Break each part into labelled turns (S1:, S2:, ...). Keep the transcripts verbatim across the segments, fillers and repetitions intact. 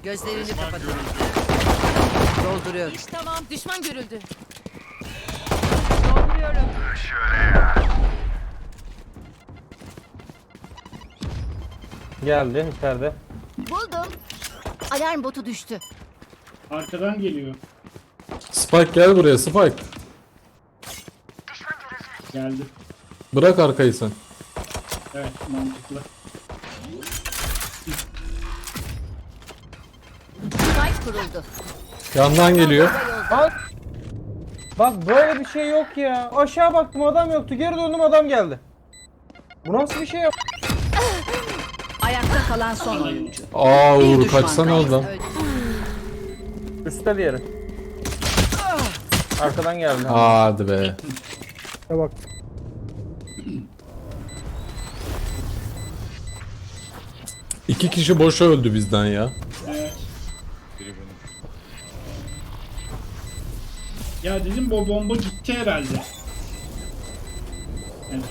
S1: Gözlerini kapatın. Dolduruyorum.
S2: İş tamam. Düşman görüldü. Dolduruyorum.
S3: Geldi içeride.
S2: Buldum. Alarm botu düştü.
S4: Arkadan geliyor.
S5: Spike gel buraya Spike.
S4: Geldi.
S5: Bırak arkayı sen.
S4: Evet, mantıklı.
S2: Spike kuruldu.
S5: Yandan geliyor.
S3: Bak. Bak böyle bir şey yok ya. Aşağı baktım adam yoktu. Geri döndüm adam geldi. Bu nasıl bir şey ya?
S1: Ayakta kalan son oyuncu.
S5: Aa
S1: Bir
S5: Uğur
S1: düşman
S5: kaçsana
S1: kaldı.
S5: oradan.
S1: Öldü.
S3: Üstte diğeri. Arkadan geldi.
S5: Hadi be.
S3: Ha bak.
S5: İki kişi boşa öldü bizden ya.
S4: Evet. Ya dedim bu bomba gitti herhalde. Evet.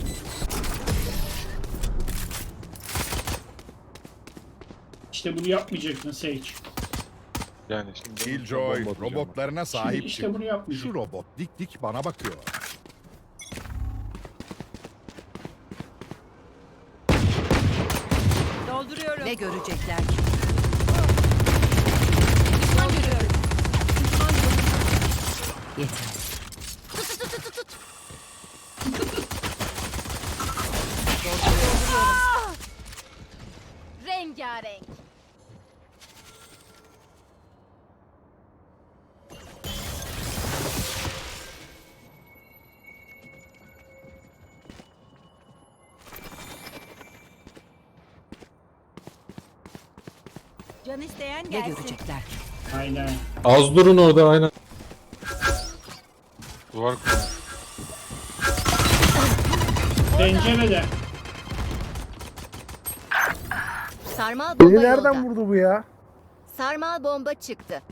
S4: İşte bunu yapmayacaktın Sage.
S6: Yani şimdi
S7: Killjoy
S6: bomba atacağım.
S7: robotlarına
S4: Şimdi
S7: sahip
S4: işte
S7: çık.
S4: bunu yapmayacaktın.
S7: Şu robot dik dik bana bakıyor.
S2: Dolduruyorum.
S1: Ne görecekler ki?
S2: Düşman görüyorum. Düşman görüldü.
S1: Yeter.
S2: Rengarenk. Can isteyen
S1: Ne
S2: gelsin.
S1: görecekler ki?
S4: Aynen.
S5: Az durun orada aynen.
S6: Duvar kurmuş.
S4: Pencerede.
S2: Sarmal bomba
S8: Beni nereden
S2: yolda.
S8: vurdu bu ya?
S2: Sarmal bomba çıktı.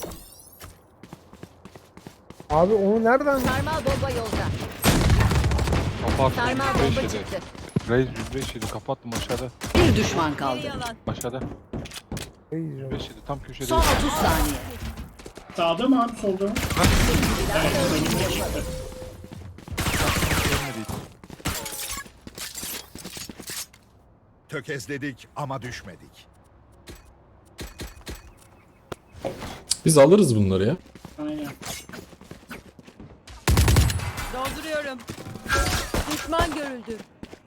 S8: Abi onu nereden?
S2: Sarmal bomba yolda.
S6: Kapattım.
S2: Sarmal
S6: yüz beş
S2: bomba
S6: yedi.
S2: çıktı.
S6: Reis yüz beş yedi. Kapattım aşağıda.
S1: Bir düşman kaldı.
S6: Aşağıda.
S8: Ey
S6: yüz
S8: canım.
S6: beş yedi. Tam köşede.
S1: Son otuz saniye.
S4: Sağda mı abi solda mı? Evet, önüme çıktı.
S6: Görmedi hiç.
S7: Tökezledik ama düşmedik.
S5: Biz alırız bunları ya.
S4: Aynen.
S2: Dolduruyorum. Düşman görüldü.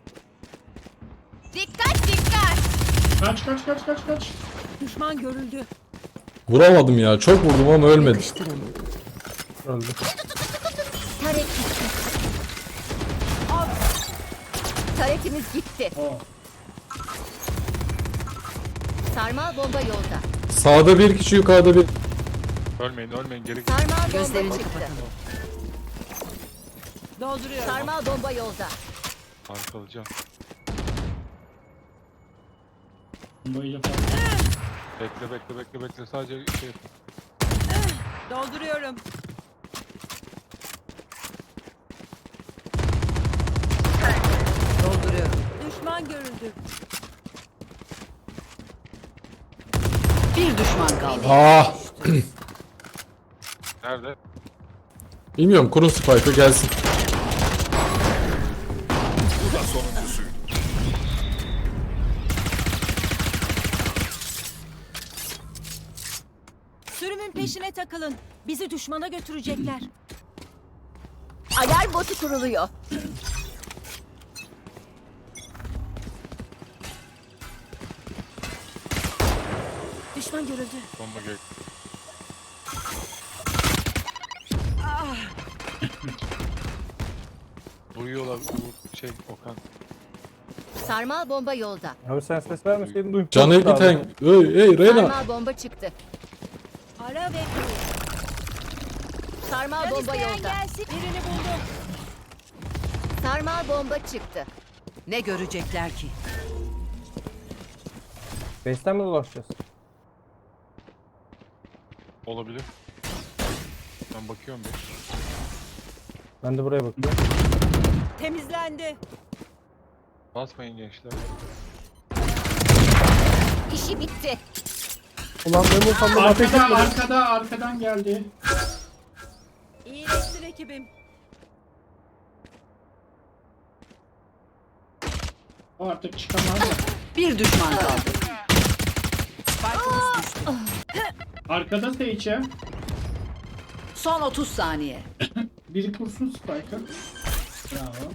S2: Dikkat dikkat.
S4: Kaç kaç kaç kaç kaç.
S2: Düşman görüldü.
S5: Vuramadım ya. Çok vurdum ama ölmedi.
S1: Yakıştırın.
S3: Öldü.
S2: Taret gitti. Taretimiz gitti.
S4: O.
S2: Sarmal bomba yolda.
S5: Sağda bir kişi yukarıda bir.
S6: Ölmeyin ölmeyin. Geri git.
S2: Sarmal bomba
S1: Gözlerini
S2: çıktı.
S1: kapatın.
S2: Dolduruyorum. Sarmal bomba yolda.
S6: Arkalayacağım.
S4: Bombayla falan.
S6: Bekle bekle bekle bekle. Sadece şey.
S2: Dolduruyorum.
S1: Dolduruyorum.
S2: Düşman görüldü.
S1: Bir düşman kaldı.
S5: Ah.
S6: Nerede?
S5: Bilmiyorum kurun Spike'ı gelsin.
S7: Bu da sonuncusu.
S2: Sürümün peşine takılın. Bizi düşmana götürecekler. Alarm botu kuruluyor. Düşman görüldü.
S6: Bomba gel. Duyuyorlar. Uğur, şey Okan.
S2: Sarmal bomba yolda.
S3: Abi sen ses vermeseydin duymuş.
S5: Canı biten. Ey ey Reyna.
S2: Sarmal bomba çıktı. Ara ve Sarmal bomba yolda. Birini buldum. Sarmal bomba çıktı.
S1: Ne görecekler ki?
S3: Base'ten mi dolaşacağız?
S6: Olabilir. Ben bakıyorum bir.
S3: Ben de buraya bakıyorum.
S2: Temizlendi.
S6: Basmayın gençler.
S2: İşi bitti.
S8: Ulan Memo sen de ateş
S4: Arkada,
S8: etmedin.
S4: arkada, arkadan geldi.
S2: İyileştir ekibim.
S4: O artık çıkamaz da.
S1: Bir düşman kaldı.
S4: Arkada Seyçe.
S1: Son otuz saniye.
S4: Biri kursun Spike'ı. Bravo.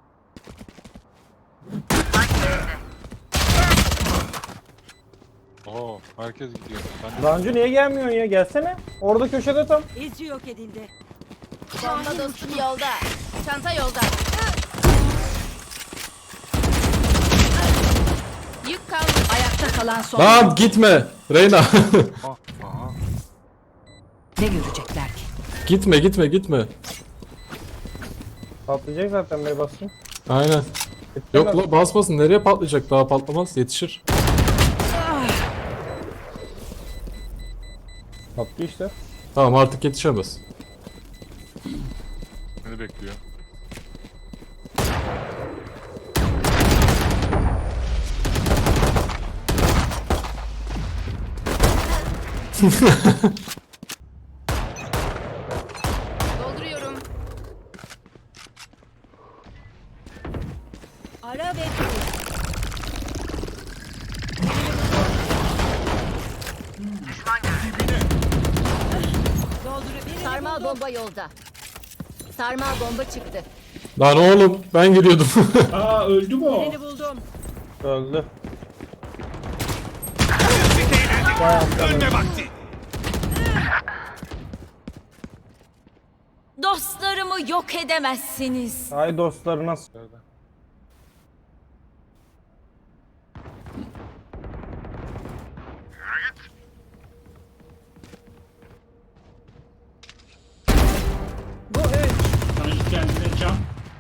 S6: Oo, herkes gidiyor. Ben de
S3: Dancu niye gelmiyorsun ya? Gelsene. Orada köşede tam.
S2: İzci yok edildi. Bomba dostum yolda. Çanta yolda. Yük kaldı.
S1: Ayakta kalan son.
S5: Lan gitme. Reyna.
S6: Aha, aha.
S1: Ne görecekler ki?
S5: gitme gitme gitme.
S3: Patlayacak zaten bey basın.
S5: Aynen. Yok la basmasın. Nereye patlayacak? Daha patlamaz. Yetişir.
S3: Patlıyor işte.
S5: Tamam artık yetişemez.
S6: Beni bekliyor.
S2: Dolduruyorum. Ara ve dur. Dolduruyorum. Sarmal bomba yolda. Sarmal bomba çıktı.
S5: Lan oğlum ben giriyordum.
S4: Aa öldü mü o?
S2: Birini buldum.
S3: Öldü.
S7: Ölme vakti.
S2: Dostlarımı yok edemezsiniz.
S3: Ay dostları nasıl?
S6: Nerede?
S2: Bu üç.
S4: Sanki kendine can.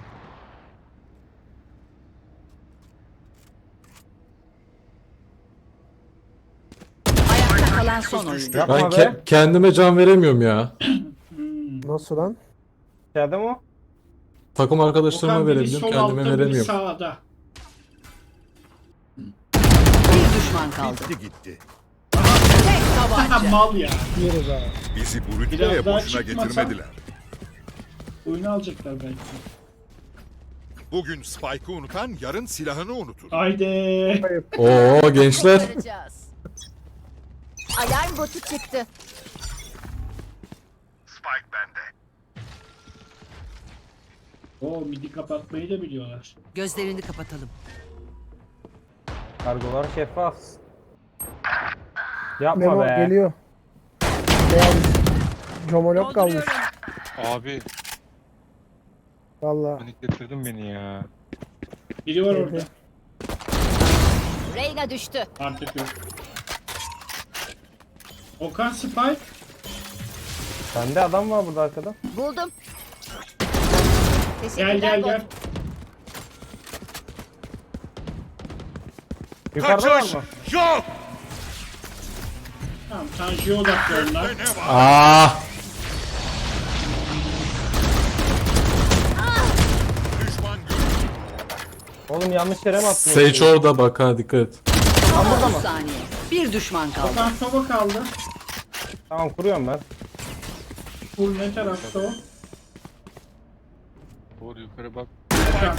S1: Ayakta kalan son oyuncu.
S3: Yapma
S5: Ben
S3: be.
S5: ke- kendime can veremiyorum ya.
S8: Nasıl lan?
S3: İçeride mi o?
S5: Takım arkadaşlarıma
S4: Okan biri
S5: verebiliyorum.
S4: sol
S5: Kendime
S4: altta, biri
S5: veremiyorum.
S4: sağda.
S1: Bir düşman kaldı.
S7: Gitti gitti.
S1: Tek
S4: Ha
S1: tabanca.
S4: mal ya.
S8: Yeriz abi.
S7: Bizi
S4: Biraz
S7: Brütte'ye
S4: daha
S7: boşuna
S4: çıkmasa-
S7: getirmediler.
S4: Oyunu alacaklar belki.
S7: Bugün Spike'ı unutan yarın silahını unutur.
S4: Haydi.
S5: Oo gençler.
S2: Kurtaracağız. Alarm botu çıktı.
S7: Spike bende.
S4: O midi kapatmayı da biliyorlar.
S1: Gözlerini kapatalım.
S3: Kargolar şeffaf. Yapma
S8: Memo
S3: be.
S8: geliyor. Beyaz. Comolok kalmış.
S2: Dolduruyorum.
S6: Abi
S8: Valla.
S6: paniklettirdin beni ya.
S4: Biri var
S8: Evet.
S4: orada.
S2: Reyna düştü.
S4: Artık yok. Okan Spike.
S3: Bende adam var burada arkada.
S2: Buldum.
S4: Gel
S2: Teşekkürler
S4: gel
S2: bot.
S4: gel.
S3: Yukarıda var mı?
S7: Yok.
S4: Tamam Tanju'ya odaklı onlar.
S7: Ne var?
S5: Aa.
S7: Düşman görüldü.
S3: Oğlum yanlış yere mi attın?
S5: Sage orada bak ha dikkat et.
S1: Son otuz saniye. Bir düşman kaldı.
S4: Okan soba kaldı.
S3: Tamam kuruyorum ben.
S4: Full ne tarafta o?
S6: Doğru yukarı bak.
S4: Okan.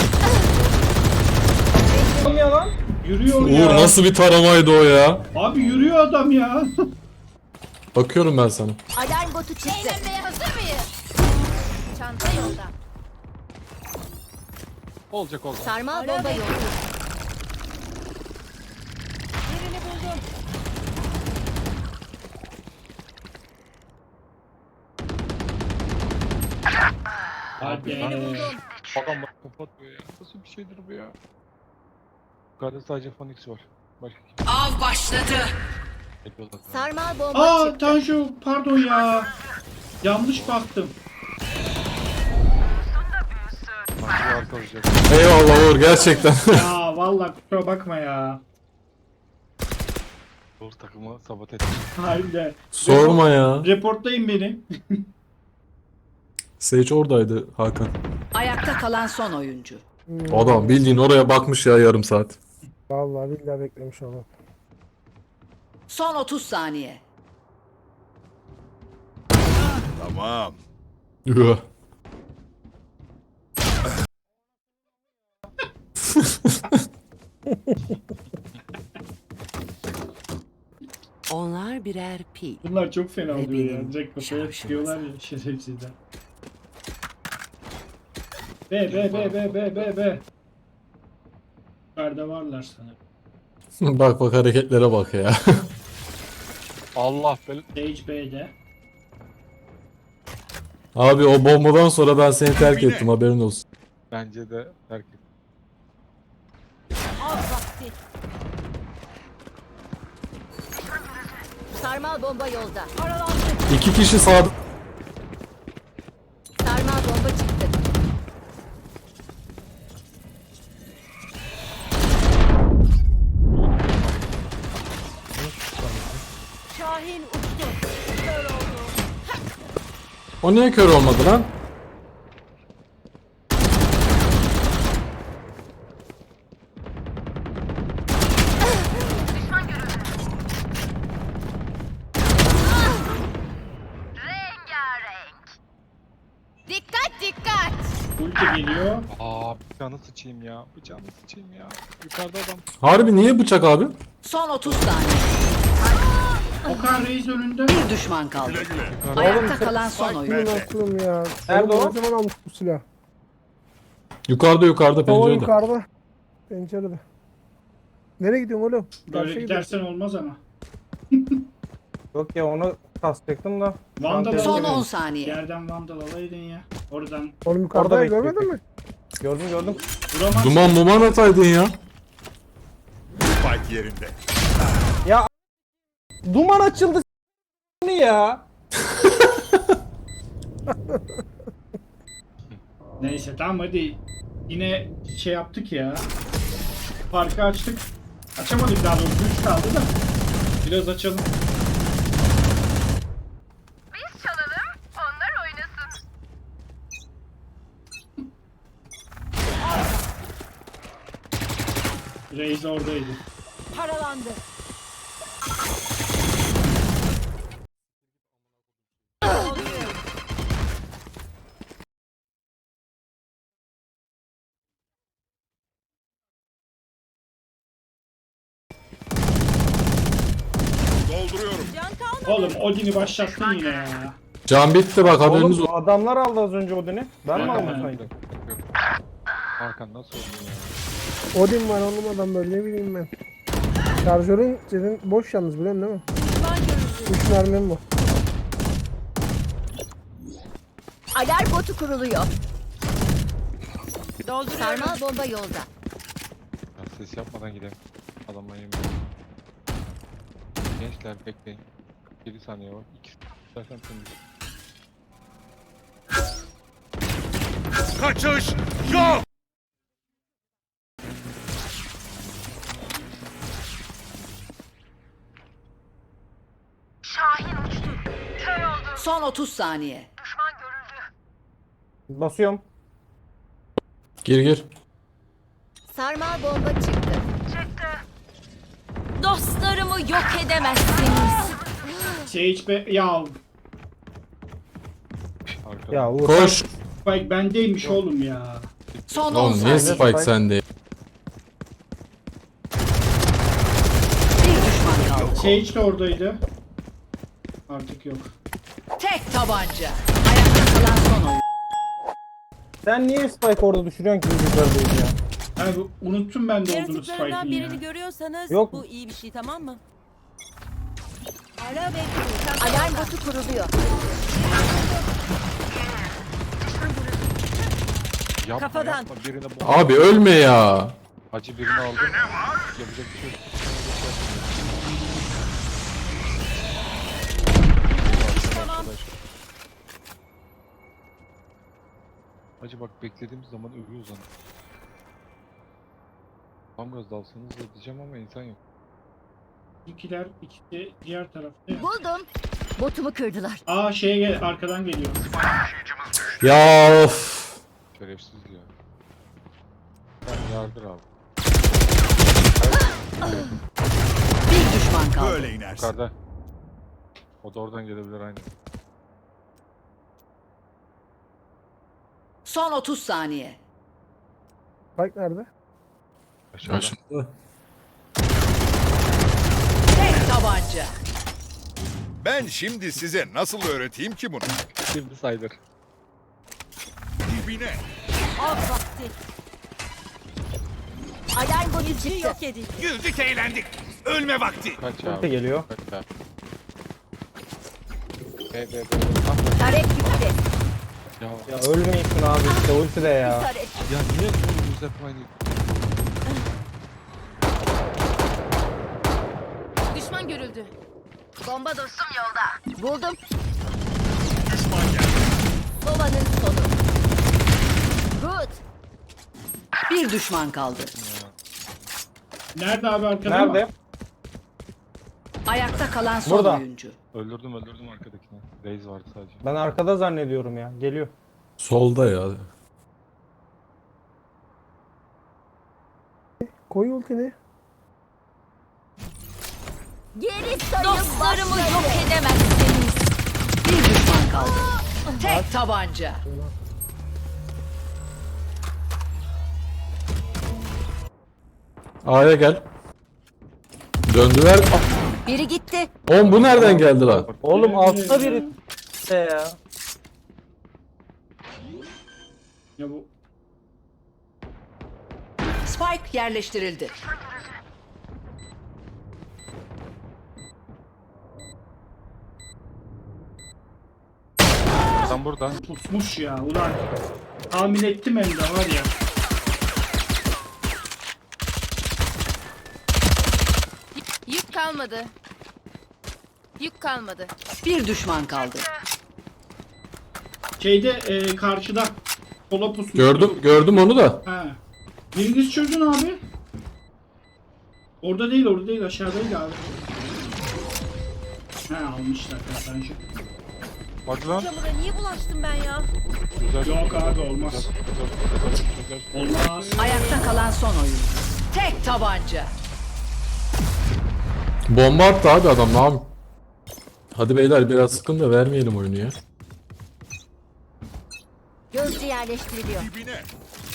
S3: Oğlum ya lan.
S4: Yürüyor
S5: Uğur
S4: ya.
S5: nasıl bir taramaydı o ya?
S4: Abi yürüyor adam ya.
S5: Bakıyorum ben sana.
S2: Alarm botu çıktı. Eğlenmeye hazır mıyız? Çanta yolda.
S6: Olacak olacak.
S2: Sarmal bomba yolda. Birini buldum.
S4: Hadi.
S6: Bakan bak kapatmıyor ya. Nasıl bir şeydir bu ya? Yukarıda sadece Phoenix var. Başka kim?
S1: Av başladı.
S6: Yapıyorlar.
S2: Sarmal bomba
S4: Aa
S2: çıktı.
S4: Tanju pardon ya. Yanlış baktım.
S6: Sanki arka olacak.
S5: Eyvallah Uğur gerçekten.
S4: Ya vallahi kusura bakma ya.
S6: Doğru takımı sabote etti.
S4: Harbiden.
S5: Sorma ya.
S4: Reportlayın beni.
S5: Sage oradaydı Hakan.
S1: Ayakta kalan son oyuncu.
S5: Adam bildiğin oraya bakmış ya yarım saat.
S8: Valla billahi beklemiş onu.
S1: Son otuz saniye.
S7: Tamam.
S5: Üh.
S1: Onlar birer pil.
S4: Bunlar çok fena
S1: Ve
S4: oluyor ya.
S1: benim
S4: Direkt kafaya
S1: şarjım
S4: çıkıyorlar ya şerefsizler. B B B B B B B. Yukarıda varlar sanırım.
S5: Bak bak hareketlere bak ya.
S6: Allah bel...
S4: Sage B'de.
S5: Abi o bombadan sonra ben seni terk ettim, haberin olsun.
S6: Bence de terk et.
S2: Av vakti. Sarmal bomba yolda. Paralandı.
S5: İki kişi sağda.
S2: Sarmal bomba çıktı. Şahin uçtu. Kör oldu.
S5: O niye kör olmadı lan?
S2: Dikkat dikkat.
S4: Ulti geliyor.
S6: Aa bıçağını sıçayım ya. Bıçağını sıçayım ya. Yukarıda adam.
S5: Harbi niye bıçak abi?
S1: Son otuz saniye.
S4: Okan Reis önünde.
S1: Bir düşman kaldı.
S7: Güle güle.
S1: Ayakta kalan son oyuncu.
S8: Bunun aklım ya.
S3: Nerede
S8: Oğlum
S3: o?
S8: Ne zaman almış bu silah?
S5: Yukarıda yukarıda
S8: O
S5: pencerede.
S8: yukarıda. Pencerede. Nereye gidiyorsun oğlum?
S4: Böyle
S8: Karşıya gidiyorsun.
S4: gidersen olmaz ama.
S3: Yok ya onu kastacaktım da.
S4: Vandal
S1: Son
S4: alaydın.
S1: on saniye.
S4: Yerden vandal alaydın ya. Oradan
S8: Oğlum yukarıda
S3: Orada
S8: görmedin
S3: bekliyor.
S8: mi?
S3: Gördüm gördüm.
S4: vuramaz.
S5: Duman muman ataydın ya.
S7: Spike yerinde.
S3: Duman açıldı s***ni ya.
S4: Neyse tamam hadi. Yine şey yaptık ya. Farkı açtık. Açamadık daha doğrusu. üç kaldı da. Biraz açalım.
S2: Biz çalalım, onlar oynasın.
S4: Reis oradaydı.
S2: Paralandı.
S7: Dolduruyorum.
S2: Can kalmadı.
S4: Oğlum Odin'i başlattın yine ya.
S5: Can bitti bak, haberiniz
S3: Oğlum
S5: olsun.
S3: adamlar aldı az önce Odin'i. Ben mi
S4: Yok,
S3: aldım
S4: ben-
S3: sanki?
S6: Yok. Hakan nasıl oldu ya?
S8: Odin var oğlum adam böyle ne bileyim ben. Şarjörün senin boş yalnız biliyorsun değil mi?
S2: Düşman görüldü.
S8: üç mermim var.
S2: Alarm botu kuruluyor. Sarmal bomba yolda.
S6: Ya ses yapmadan gidelim. Adamla yemin. Gençler bekleyin. yedi saniye var. iki zaten temiz.
S7: Kaçış yok.
S1: Son otuz saniye.
S3: Basıyorum.
S5: Gir gir.
S2: Sarmal bomba çıktı. Dostlarımı yok edemezsiniz.
S4: Sage be... Ya
S6: Arkada.
S3: Ya Uğur.
S5: Koş.
S4: bak bendeymiş oğlum ya.
S1: Son on
S5: Oğlum niye
S1: saniye.
S5: Spike sende?
S1: Bir düşman kaldı.
S4: Sage de oradaydı. Artık yok.
S1: Tek tabanca. Ayakta kalan son oyuncu.
S3: Sen niye Spike orada düşürüyorsun ki biz yukarıdayız ya?
S4: Yani bu- unuttum ben de olduğunu
S9: Yaratıklarından
S4: Spike'ın
S9: birini
S4: ya.
S9: görüyorsanız
S3: Yok.
S9: bu iyi bir şey, tamam mı?
S2: Alarm botu kuruluyor.
S6: Yapma,
S9: Kafadan.
S6: Yapma. Birine bu.
S5: Abi ölme ya.
S6: Acı birini aldım. Yapacak bir şey yok.
S9: Tamam.
S6: Acı bak beklediğimiz zaman ölüyoruz hani. Tam gaz dalsanız da diyeceğim ama insan yok.
S4: İkiler ikisi diğer tarafta ya.
S2: Buldum. Botumu kırdılar.
S4: Aa şeye gel arkadan geliyor.
S5: Ya of.
S6: Şerefsiz ya. Ben yardır abi.
S1: Bir düşman düşman kaldı.
S7: Böyle inersin.
S6: Yukarıda. O da oradan gelebilir aynı.
S1: Son otuz saniye.
S8: Bak nerede?
S6: Aşağıda.
S5: Karşımda.
S1: Tek tabanca.
S7: Ben şimdi size nasıl öğreteyim ki bunu?
S6: Şimdi sayılır.
S7: Dibine.
S2: Av vakti. Alarm botu çıktı.
S9: Yok edildi.
S7: Güldük eğlendik. Ölme vakti.
S6: Kaç
S3: Ulti
S6: abi?
S3: geliyor.
S6: Kaç abi? B, B, B.
S2: Taret gitti.
S6: Ya,
S3: Ya ölmeyeceksin abi işte ulti de ya.
S2: Taret.
S6: ya niye bu hep aynı?
S2: Düşman görüldü. Bomba dostum yolda. Buldum.
S7: Düşman geldi.
S2: Sovanın sonu. Good.
S1: Bir düşman kaldı.
S4: Nerede abi, arkada mı?
S3: Nerede?
S1: Ayakta kalan son
S3: Burada.
S1: oyuncu.
S6: Öldürdüm öldürdüm arkadakini. Raze vardı sadece.
S3: Ben arkada zannediyorum ya. Geliyor.
S5: Solda ya.
S8: Koy ultini.
S2: Geri sayım
S9: Dostlarımı
S2: başladı.
S9: yok edemezsiniz.
S1: Bir düşman kaldı. Tek tabanca.
S5: A'ya gel. Döndüler.
S2: Biri gitti.
S5: Oğlum bu nereden geldi lan?
S3: Oğlum altta biri de ya.
S4: Ya bu
S1: Spike yerleştirildi.
S6: Adam burada.
S4: pusmuş ya. Ulan tahmin ettim hem de var ya.
S2: Yük kalmadı. Yük kalmadı.
S1: Bir düşman kaldı.
S4: Şeyde e, karşıda sola pusmuş.
S5: Gördüm gördüm onu da.
S4: Ha. Biriniz çözün abi. Orada değil, orada değil, aşağıdaydı abi. Ha, almışlar kazancı.
S6: Hadi lan.
S9: Çamura niye bulaştım ben ya?
S6: Güzel.
S4: Yok abi, olmaz.
S6: Güzel, güzel, güzel, güzel.
S4: Olmaz.
S1: Ayakta kalan son oyuncu. Tek tabanca.
S5: Bomba attı abi adam ne yapayım? Hadi beyler biraz sıkın da vermeyelim oyunu ya.
S2: Gözcü yerleştiriliyor.
S7: Dibine.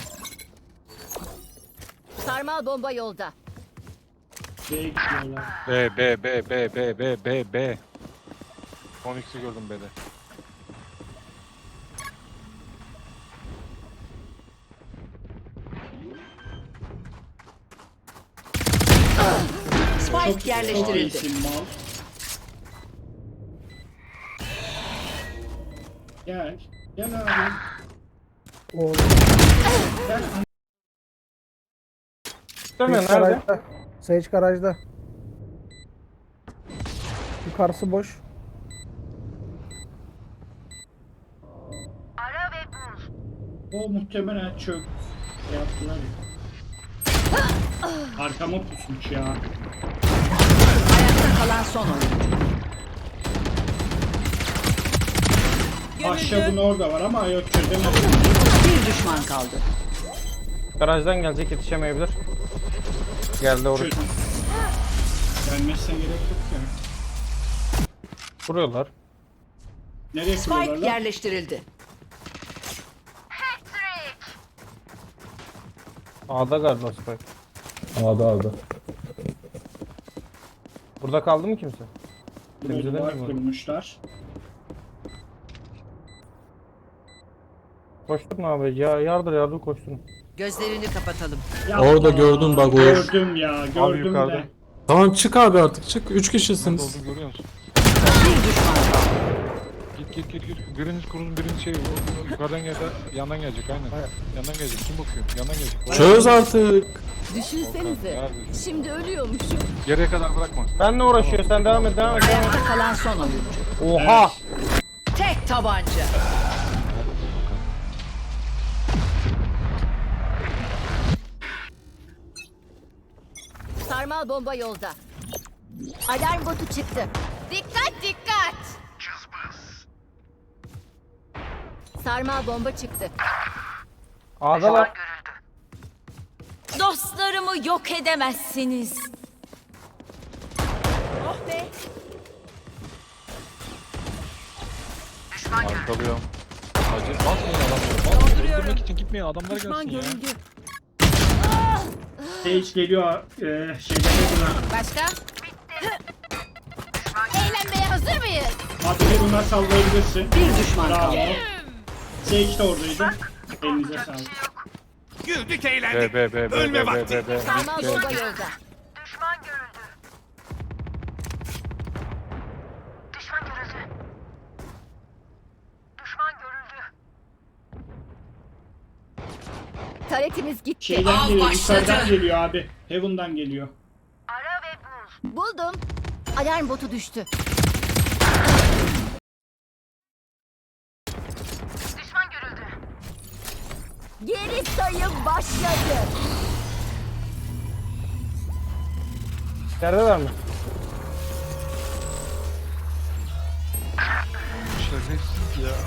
S2: Sarmal bomba yolda.
S4: B'ye gidiyorlar.
S6: B, B, B, B, B, B, B, B. on x'i gördüm B'de.
S1: Spike
S4: Çok
S1: yerleştirildi.
S4: iyisin mal. Gel. Gel abi.
S8: O
S4: Gel.
S3: Değil mi?
S8: Sage
S3: Nerede?
S8: garajda. Sage garajda. Yukarısı boş.
S4: O muhtemelen çök. Şey yaptılar ya. Arkama pusmuş ya.
S1: Ayakta kalan son oyuncu.
S4: Ahşabın orada var ama yok, çözemedim.
S1: Bir düşman kaldı.
S3: Garajdan gelecek, yetişemeyebilir. Geldi oraya.
S4: Çöz. Gelmezsen gerek yok ya.
S3: Vuruyorlar.
S4: Nereye
S1: Spike
S4: kuruyorlar lan?
S1: yerleştirildi.
S3: A'da galiba Spike.
S5: A'da A'da.
S3: Burada kaldı mı kimse?
S4: Burada
S3: Temizleden
S4: duvar
S3: mi?
S4: kurmuşlar.
S3: Koşturma abi. Ya yardır yardır koşturun.
S1: Gözlerini kapatalım.
S4: Yapma.
S5: Orada gördün bak, o-
S4: Gördüm ya, gördüm
S6: yukarıda.
S4: de.
S5: Tamam çık abi artık çık. Üç
S6: Nerede
S5: kişisiniz.
S6: olduğunu görüyor musun?
S1: Bir düşman kaldı.
S6: Git git git git. Biriniz kurun, biriniz şey yukarıdan geldi, yandan gelecek aynen. Yandan gelecek. Kim bakıyor? Yandan gelecek.
S5: Çöz artık.
S9: Düşünsenize.
S6: Nerede?
S9: Şimdi ölüyormuşum.
S6: Geriye kadar bırakma.
S3: Benle uğraşıyor. Sen devam et devam et. Devam et.
S1: Ayakta kalan son oyuncu.
S3: Oha!
S1: Tek tabanca.
S2: Sarmal bomba yolda. Alarm botu çıktı. Dikkat dikkat. Sarmal bomba çıktı.
S3: A'dalar.
S9: Dostlarımı yok edemezsiniz.
S2: be.
S6: Arkalıyorum. Acil basmayın adamları. Basmayın. Öldürmek için gitmeyin. Adamlar
S9: Düşman
S6: gelsin ya.
S9: görüldü.
S4: Sage geliyor. E, şeyde Heaven'a.
S9: Başka? Eğlenmeye hazır mıyız?
S4: Abi Heaven'a sallayabilirsin.
S1: Bir düşman
S4: Bravo.
S1: kaldı.
S4: Sage de oradaydı. Elinize sağlık.
S7: Güldük
S6: B
S7: eğlendik.
S6: B B B
S7: Ölme
S6: B B
S7: vakti.
S6: B B.
S9: Sarmal
S6: B.
S9: bomba yolda.
S2: Taretimiz gitti.
S4: Şeyden
S1: Av
S4: geliyor.
S1: başladı.
S4: Yukarıdan geliyor abi. Heaven'dan geliyor.
S2: Buldum. Alarm botu düştü. Geri sayım başladı.
S3: İçerideler mi?
S6: Şerefsiz ya.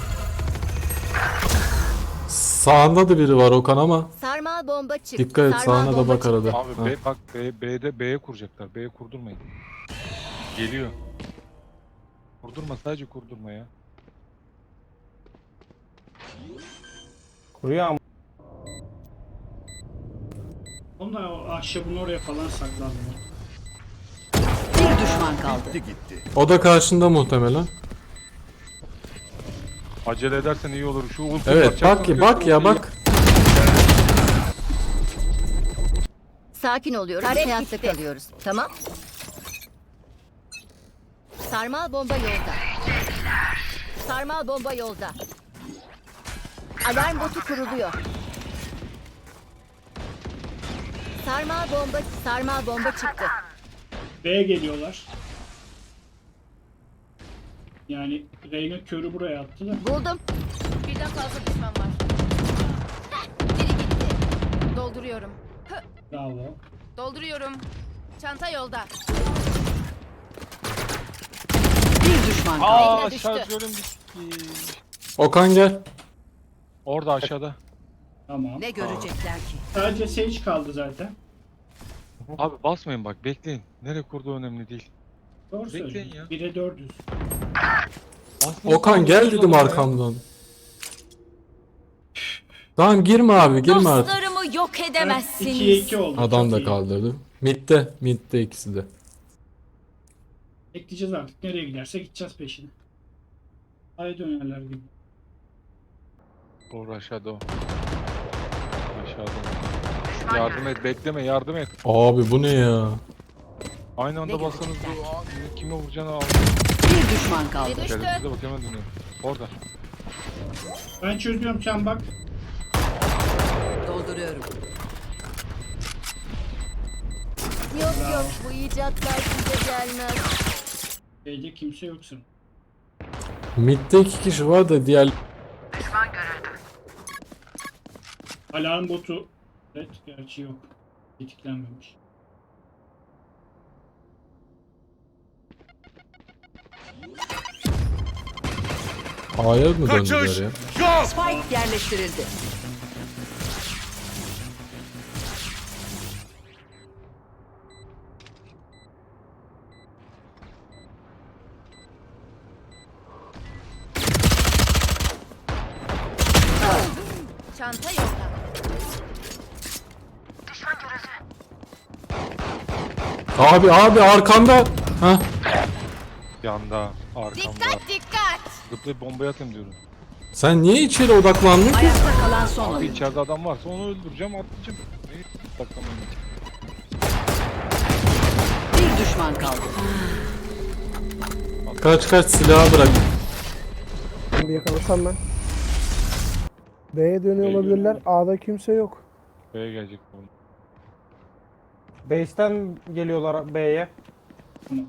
S5: Sağında da biri var Okan ama.
S2: Sarmal bomba çıktı.
S5: Dikkat et,
S2: Sarmal
S5: sağına da
S2: bomba
S5: bak
S2: çıktı.
S5: arada.
S6: Abi
S5: Ha.
S6: B, bak B, B'de B'ye kuracaklar. B'ye kurdurmayın. Geliyor. Kurdurma, sadece kurdurma ya.
S3: Kuruyor ama.
S4: Onlar o ahşabın oraya falan saklandı.
S1: Bir düşman kaldı.
S7: Gitti gitti.
S5: O da karşında muhtemelen.
S6: Acele edersen iyi olur. Şu ulti
S5: Evet bak ya bak ya bak.
S2: Sakin oluyoruz. Hayatta kalıyoruz. Tamam. Sarmal bomba yolda. Sarmal bomba yolda. Alarm botu kuruluyor. Sarmal bomba, sarmal bomba çıktı.
S4: B'ye geliyorlar. Yani Reyna körü buraya attı da.
S2: Buldum.
S9: Birden fazla düşman var. Biri gitti. Dolduruyorum.
S4: Bravo.
S9: Dolduruyorum. Çanta yolda.
S1: Bir düşman kaldı.
S6: Aa
S2: Reyna düştü.
S6: şarjörüm bitti.
S5: Okan gel.
S6: Orada aşağıda.
S4: Tamam.
S1: Ne görecekler ki?
S4: Sadece Sage kaldı zaten.
S6: Abi basmayın bak, bekleyin. Nereye kurduğu önemli değil.
S4: Doğru
S6: Bekleyin
S4: söylüyorsun.
S6: ya.
S4: bire dördüz.
S6: Basmayın,
S5: Okan gel dedim
S6: ya.
S5: arkamdan. Tamam girme abi girme artık.
S9: Dostlarımı yok
S4: ikiye
S9: edemezsiniz.
S4: iki oldu.
S5: Adam
S4: Çok
S5: da
S4: iyi.
S5: kaldırdı. Mid'de. Mid'de ikisi de.
S4: Bekleyeceğiz artık. Nereye giderse gideceğiz peşine. Ay dönerler gibi.
S6: Doğru aşağıda o. Aşağıda. Yardım et, bekleme, yardım et.
S5: Abi bu ne ya?
S6: Aynı anda
S1: Ne
S6: bassanız
S1: görecekler?
S6: bu aa, kime vuracağını al.
S1: Bir düşman kaldı.
S9: Düştü.
S6: Şerefsize bak, hemen dönüyor. Orada.
S4: Ben çözüyorum, sen bak.
S1: Dolduruyorum.
S2: Yok yok bu icatlar size gelmez.
S4: B'de kimse yoksun.
S5: Mid'de iki kişi var da diğer...
S4: Alarm botu. Evet, gerçi yok. Tetiklenmemiş.
S5: A'ya mı
S7: Kaçış.
S5: döndüler ya?
S7: Yok.
S1: Spike yerleştirildi.
S9: Çanta yolda.
S5: Abi abi arkanda. Ha?
S6: Yanda, arkamda.
S9: Dikkat dikkat.
S6: Zıplayıp bombayı atayım diyorum.
S5: Sen niye içeri odaklandın ki?
S1: Ayakta kalan son
S6: Abi
S1: oyuncu.
S6: içeride adam varsa onu öldüreceğim, atlayacağım. Neyi saklamayın.
S1: Bir düşman kaldı.
S5: Kaç kaç silahı bırak.
S8: Bir yakalasam ben. B'ye dönüyor
S6: B'ye
S8: olabilirler. A'da kimse yok.
S6: B'ye gelecek bu.
S3: Base'ten geliyorlar B'ye.
S4: Tamam.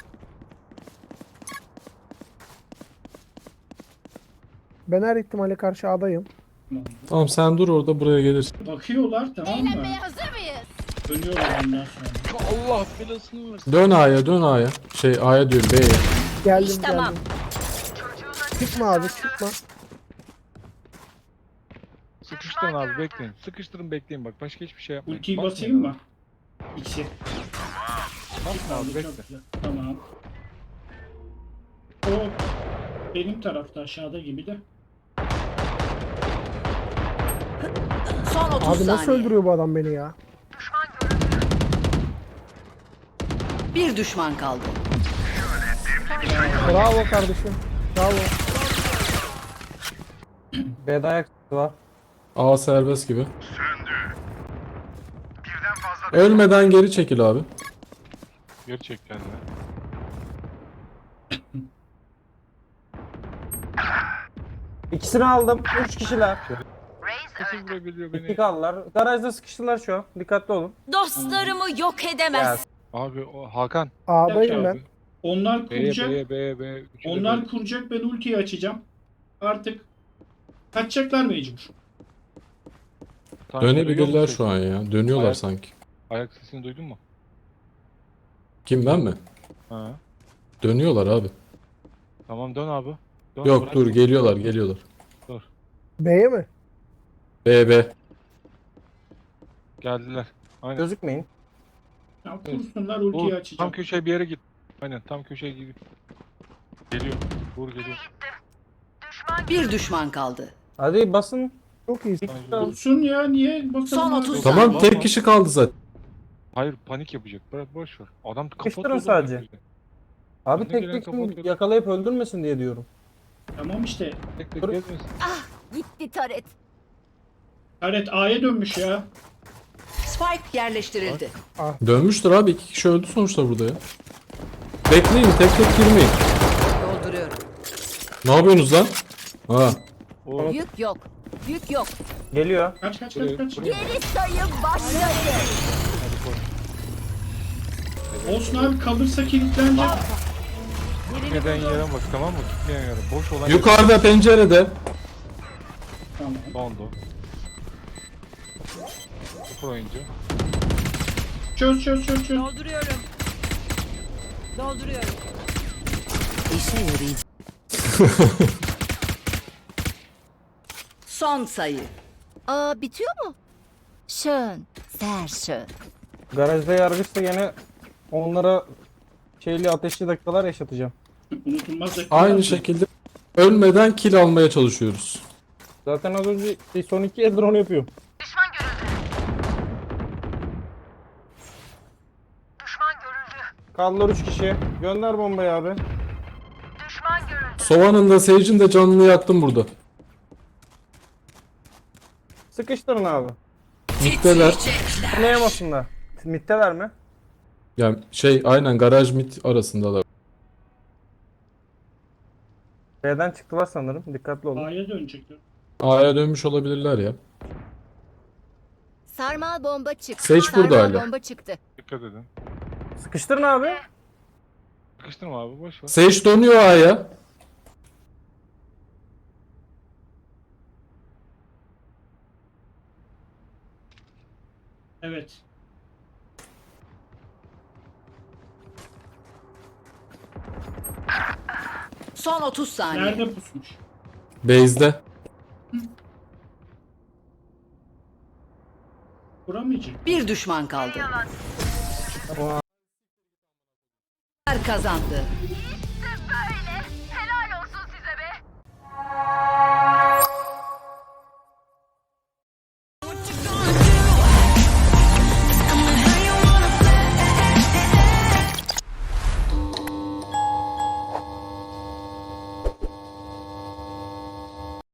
S8: Ben her ihtimale karşı A'dayım.
S4: Tamam.
S5: Tamam sen dur orada buraya gelirsin.
S4: Bakıyorlar, tamam mı?
S9: Eğlenmeye hazır mıyız?
S4: Dönüyorlar ondan sonra.
S6: Allah belasını versin.
S5: Dön A'ya dön A'ya. Şey A'ya diyorum B'ye.
S8: Geldim
S9: İş tamam.
S8: geldim. Çıkma abi çıkma.
S6: Sıkıştırın abi, bekleyin. Sıkıştırın, bekleyin bak. Başka hiçbir şey yapmayın.
S4: Ultiyi
S6: Basmayın
S4: basayım
S6: abi.
S4: mı? İkisi. İki kaldı,
S6: Abi bekle.
S4: çok güzel. Tamam. O benim tarafta aşağıda gibi de.
S1: Son otuz
S8: Abi nasıl
S1: saniye.
S8: öldürüyor bu adam beni ya?
S1: Bir düşman kaldı.
S8: Bravo kardeşim. Bravo.
S3: B'de ayak sesi var.
S5: A serbest gibi. Ölmeden geri çekil abi.
S6: Geri çek kendini.
S3: İkisini aldım. Üç kişiler.
S6: Nasıl vurabiliyor
S3: İki
S6: beni?
S3: kaldılar. Garajda sıkıştılar şu an. Dikkatli olun.
S9: Dostlarımı yok
S3: Ya,
S9: edemez.
S6: Abi o Hakan.
S8: A'dayım ben.
S6: Abi.
S4: Onlar
S6: B'ye
S4: kuracak.
S6: B'ye B'ye B'ye. Üçü de
S4: Onlar
S6: B.
S4: kuracak, ben ultiyi açacağım. Artık kaçacaklar mecbur.
S6: Tamam, duyuyor
S5: Dönebilirler
S6: musun
S5: şu an ya. Dönüyorlar
S6: Ayak-
S5: sanki.
S6: Ayak sesini duydun mu?
S5: Kim, ben mi?
S6: Ha.
S5: Dönüyorlar abi.
S6: Tamam dön abi. Dön,
S5: Yok
S6: bırak.
S5: dur, geliyorlar geliyorlar.
S8: B'ye mi?
S5: B B.
S6: Geldiler. Aynen.
S3: gözükmeyin.
S4: Ya
S6: Evet.
S4: kursunlar,
S6: Vur.
S4: ultiyi
S6: Tam
S4: açacağım.
S6: köşeye bir yere git. Aynen tam köşeye git. Geliyor. Vur geliyor.
S1: Bir düşman kaldı.
S3: Hadi basın.
S8: Çok iyi.
S6: Aynen.
S4: Kursun ya, niye bakalım?
S1: Son
S4: abi?
S1: otuz
S5: Tamam,
S6: Tamam.
S5: tek kişi kaldı zaten.
S6: Hayır panik yapacak. Bırak boş ver. Adam
S3: Sıkıştırın
S6: kapatıyor.
S3: sadece. Abi
S6: Önüne
S3: tek
S6: gelen
S3: tek
S6: kapatıyor.
S3: yakalayıp öldürmesin diye diyorum.
S4: Tamam işte.
S6: Tek tek
S3: Dur.
S6: gezmesin.
S2: Gitti taret.
S4: Evet, A'ya dönmüş ya.
S1: Spike yerleştirildi.
S5: Dönmüştür abi, iki kişi öldü sonuçta burada ya. Bekleyin, tek tek girmeyin.
S1: Dolduruyorum.
S5: Ne yapıyorsunuz lan? Ha.
S6: O
S2: Yük yok. Yük yok.
S3: Geliyor.
S4: Kaç kaç
S6: Buraya-
S4: kaç kaç.
S6: buraya-
S2: Geri sayım başladı.
S4: Olsun abi, kalırsa kilitlenecek.
S6: gitmeden yere bak tamam mı? Gitmeyen yere. Boş olan
S5: Yukarıda pencerede.
S4: Tamam.
S6: Dondu. Sıfır oyuncu.
S4: Çöz çöz çöz çöz.
S1: Dolduruyorum. Dolduruyorum.
S2: İşe yarayacak.
S1: Son sayı.
S2: Aa, bitiyor mu? Schön. Sehr schön.
S3: Garajda yargıçta gene onlara şeyli ateşli dakikalar yaşatacağım.
S4: Unutulmaz dakika.
S5: Aynı şekilde ölmeden kill almaya çalışıyoruz.
S3: Zaten az önce şey, son iki eldir onu yapıyorum. Kaldılar üç kişi. Gönder bombayı abi.
S5: Sova'nın da Sage'in de canını yaktım burada.
S3: Sıkıştırın abi.
S5: Mitteler.
S3: Anlayamasınlar. Mitteler mi?
S5: Yani şey aynen garaj mit arasındalar.
S3: B'den çıktılar sanırım. Dikkatli olun.
S4: A'ya dönecekler.
S5: A'ya dönmüş olabilirler ya.
S2: Sarmal bomba çıktı.
S5: Sage burada
S2: Sarmal
S5: hala.
S2: bomba çıktı.
S6: Dikkat edin.
S3: Sıkıştırın abi.
S6: Sıkıştırma abi boş ver.
S5: Sage dönüyor A'ya.
S4: Evet.
S1: Son otuz saniye.
S4: Nerede pusmuş?
S5: Base'de.
S4: Vuramayacak.
S1: Bir düşman kaldı.
S3: Ama
S1: Kazandı.